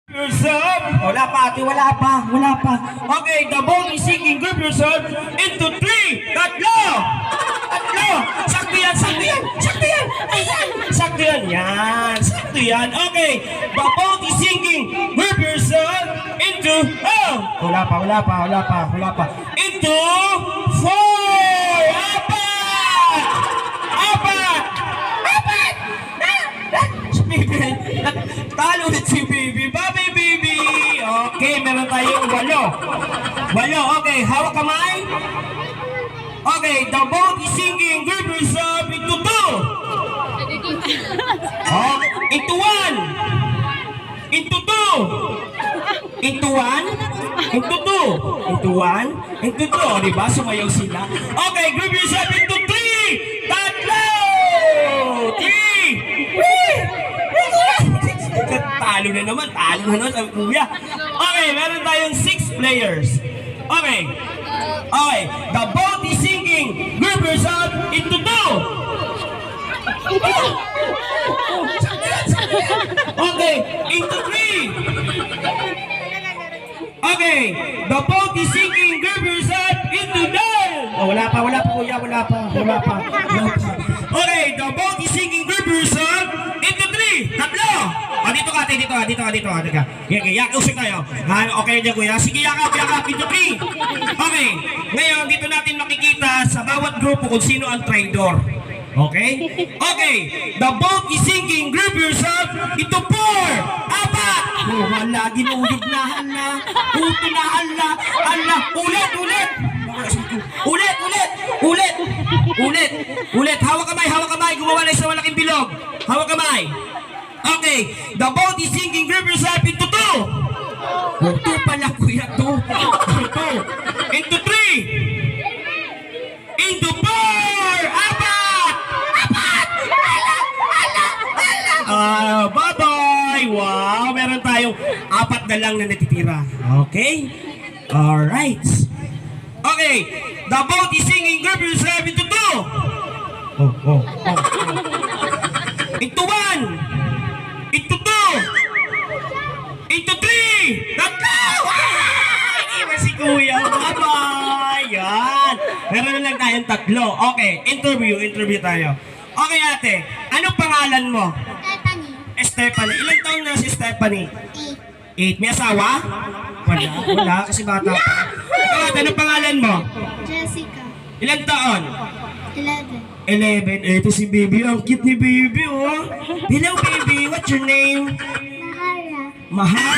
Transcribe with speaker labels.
Speaker 1: Yourself.
Speaker 2: Wala pa, ate, wala pa.
Speaker 1: Okay, the ball is sinking. Group yourself into 3. Tatlo. Sakto yan. Sakto yan. Okay, the ball is sinking. Group yourself into
Speaker 2: Wala pa.
Speaker 1: into 4. Apat. Si Bibi. Talo ulit si Bibi. Bye, Bibi. Okay, meron tayong 8. Okay, hawak kamay. Okay, the boat is sinking. Group yourself into 2. Into 1. Into 2. Into 1. Into 2. Into 2. Diba? Sumayaw sila. Okay, group yourself into 3. Tatlo. 3. Talo na naman. Sabi kuya. Okay, meron tayong 6 players. Okay, the boat is sinking. Group yourself into 2. Okay, into 3. Okay, the boat is sinking. Group yourself into 9.
Speaker 2: Wala pa, kuya.
Speaker 1: Okay, the boat is sinking. Group yourself into 3. Tatlo. Dito ka. Usap tayo. Okay dyan, kuya. Sige, yakap. Into 3. Okay. Ngayon, dito natin makikita sa bawat grupo kung sino ang traitor. Okay? Okay. The boat is sinking. Group yourself into 4. Apat.
Speaker 2: Wala, ginulit na, hala.
Speaker 1: Puti na, hala. Ulit. Hawak kamay. Gumawa na isang malaking bilog. Hawak kamay. Okay. The boat is sinking. Group yourself into 2.
Speaker 2: Ito pala, kuya, to.
Speaker 1: Into 3. Into 4. Apat. Bye-bye. Wow, meron tayong 4 na lang na natitira. Okay? Alright. Okay. The boat is sinking. Group yourself into 2. Into 1. Into 2. Into 3. Tatlo. Iba si kuya. Bye-bye. Yan. Meron na lang tayong 3. Okay. Interview tayo. Okay, ate. Anong pangalan mo? Stephanie. Ilang taon na si Stephanie? 8. May asawa? Wala. Kasi bata pa. Ikaw, ate, anong pangalan mo?
Speaker 3: Jessica,
Speaker 1: Ilang taon?
Speaker 3: 11.
Speaker 1: 11. Ito si baby. Ang cute ni baby, oh. Hello, baby. What's your name?
Speaker 3: Mahara.
Speaker 1: Mahal.